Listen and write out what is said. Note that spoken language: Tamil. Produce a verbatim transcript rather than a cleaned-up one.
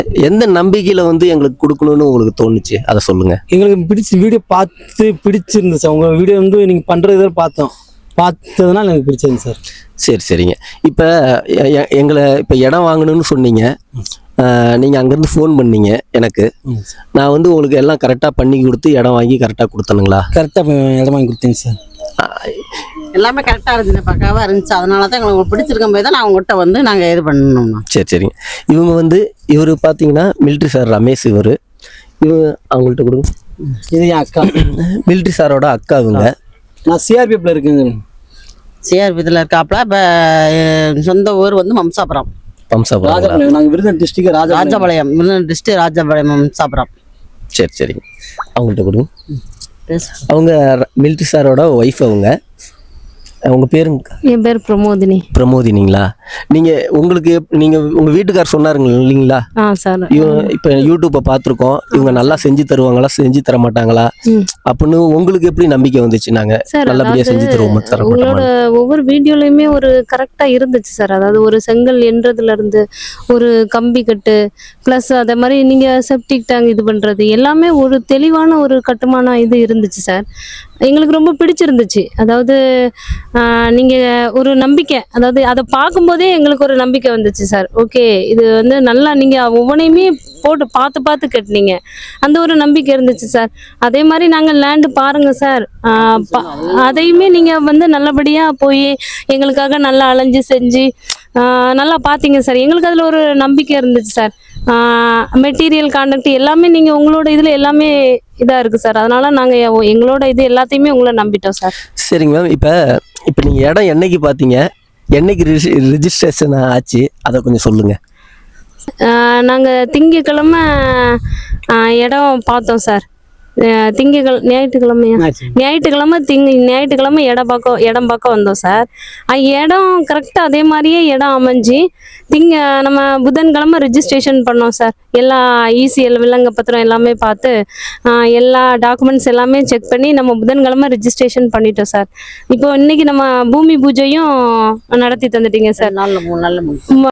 எந்த நம்பிக்கையில் வந்து எங்களுக்கு கொடுக்கணும்னு உங்களுக்கு தோணுச்சு அதை சொல்லுங்கள். எங்களுக்கு பிடிச்சி வீடியோ பார்த்து பிடிச்சிருந்துச்சு. அவங்க வீடியோ வந்து நீங்கள் பண்ணுறது பார்த்தோம், பார்த்ததுனால எனக்கு பிடிச்சிருந்து சார். சரி சரிங்க. இப்போ எங்களை இப்போ இடம் வாங்கணும்னு சொன்னீங்க, நீங்கள் அங்கேருந்து ஃபோன் பண்ணீங்க எனக்கு. நான் வந்து உங்களுக்கு எல்லாம் கரெக்டாக பண்ணி கொடுத்து இடம் வாங்கி கரெக்டாக கொடுத்தனுங்களா? கரெக்டாக இடம் வாங்கி கொடுத்தேங்க சார். எல்லாமே கரெக்டாக இருந்துச்சு, பக்காவாக இருந்துச்சு. அதனால தான் எங்களுக்கு பிடிச்சிருக்கும் போது தான் நான் அவங்ககிட்ட வந்து நாங்கள் இது பண்ணணும்னா. சரி சரிங்க. இவங்க வந்து இவர் பார்த்தீங்கன்னா மிலிட்ரி சார் ரமேஷ். இவர் இவங்க அவங்கள்ட்ட கொடுங்க. இது என் அக்கா, மிலிட்ரி சாரோட அக்கா. இவங்க நான் சிஆர்பிஎஃப்ல இருக்குங்க. சிஆர்பிஎஃப்ல இருக்காப்புல. இப்போ சொந்த ஊர் வந்து மம்சாபுரம். மம்சாபுரம். நாங்கள் விருதுநகர் டிஸ்ட்ரிக்ட் ராஜா ராஜபாளையம். விருதுநகர் டிஸ்ட்ரிக்ட் ராஜபாளையம் மம்சாபுரம். சரி சரிங்க. அவங்கள்ட்ட கொடுங்க. அவங்க மிலிட்ரி சாரோட ஒய்ஃப். அவங்க அவங்க பேருங்க? என் பேர் பிரமோதினி. பிரமோதினிங்களா? நீங்கள் உங்களுக்கு நீங்கள் உங்கள் வீட்டுக்கார் சொன்னாருங்க இல்லைங்களா? ஆ சார். இப்போ யூடியூப்பை பார்த்துருக்கோம், இவங்க நல்லா செஞ்சு தருவாங்களா செஞ்சு தர மாட்டாங்களா அப்படின்னு உங்களுக்கு எப்படி நம்பிக்கை வந்துச்சு? நாங்கள் நல்லபடியாக செஞ்சு தருவோம். உங்களோட ஒவ்வொரு வீடியோலையுமே ஒரு கரெக்டாக இருந்துச்சு சார். அதாவது ஒரு செங்கல் என்றதுல இருந்து ஒரு கம்பி கட்டு ப்ளஸ் அதே மாதிரி நீங்கள் செப்டிக் டேங்க் இது பண்ணுறது எல்லாமே ஒரு தெளிவான ஒரு கட்டுமான இது இருந்துச்சு சார். எங்களுக்கு ரொம்ப பிடிச்சிருந்துச்சு. அதாவது நீங்கள் ஒரு நம்பிக்கை, அதாவது அதை பார்க்கும்போதே எங்களுக்கு ஒரு நம்பிக்கை வந்துச்சு சார். ஓகே, இது வந்து நல்லா நீங்கள் ஒவ்வொன்றையுமே போட்டு பார்த்து பார்த்து கட்டினீங்க, அந்த ஒரு நம்பிக்கை இருந்துச்சு சார். அதே மாதிரி நாங்கள் லேண்டு பாருங்கள் சார், அதையுமே நீங்கள் வந்து நல்லபடியாக போய் எங்களுக்காக நல்லா அலைஞ்சு செஞ்சு நல்லா பார்த்தீங்க சார். எங்களுக்கு அதில் ஒரு நம்பிக்கை இருந்துச்சு சார். மெட்டீரியல் கான்டாக்ட் எல்லாமே நீங்கள் உங்களோட இதில் எல்லாமே இதாக இருக்குது சார். அதனால் நாங்கள் எங்களோட இது எல்லாத்தையுமே உங்களை நம்பிட்டோம் சார். சரிங்க மேம். இப்போ இப்போ நீங்கள் இடம் என்னைக்கு பார்த்தீங்க, என்னைக்கு ரிஜிஸ்ட்ரேஷன் ஆச்சு, அதை கொஞ்சம் சொல்லுங்கள். நாங்கள் திங்கக்கிழமை இடம் பார்த்தோம் சார். திங்கக்கிழமை ஞாயிற்றுக்கிழமையா ஞாயிற்றுக்கிழமை திங்க ஞாயிற்றுக்கிழமை இடம் பார்க்க இடம் பார்க்க வந்தோம் சார். இடம் கரெக்டாக அதே மாதிரியே இடம் அமைஞ்சு திங்க நம்ம புதன்கிழமை ரிஜிஸ்ட்ரேஷன் பண்ணோம் சார். எல்லா இசிஎல் விலங்க பத்திரம் எல்லாமே பார்த்து எல்லா டாக்குமெண்ட்ஸ் எல்லாமே செக் பண்ணி நம்ம புதன்கிழமை ரிஜிஸ்ட்ரேஷன் பண்ணிட்டோம் சார். இப்போ இன்னைக்கு நம்ம பூமி பூஜையும் நடத்தி தந்துட்டீங்க சார். நாலு மூணு நாள்